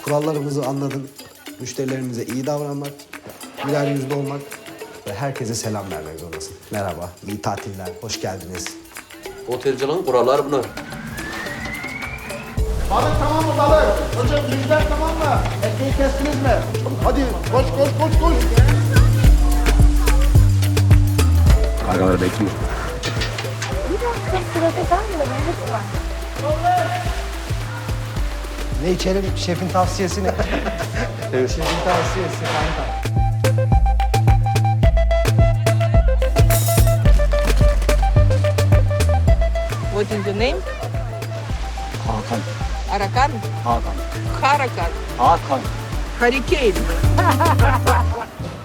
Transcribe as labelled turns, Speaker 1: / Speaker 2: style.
Speaker 1: Kurallarımızı anladın. Müşterilerimize iyi davranmak, güler yüzlü olmak ve herkese selam vermek zorundasın. Merhaba, iyi tatiller, hoş geldiniz.
Speaker 2: Otelcinin kuralları bunlar.
Speaker 3: Balık tamam mı balık? Hocam yüzler tamam mı? Ekmeği kestiniz mi? Hadi koş koş koş koş.
Speaker 2: Kargalar bekliyor.
Speaker 1: Ne içelim? Şefin tavsiyesi ne? Evet. Şefin tavsiyesi kanka.
Speaker 4: What is your name?
Speaker 5: Hakan.
Speaker 4: Arakan?
Speaker 5: Hakan.
Speaker 4: Harakan?
Speaker 5: Hakan.
Speaker 4: Hurricane?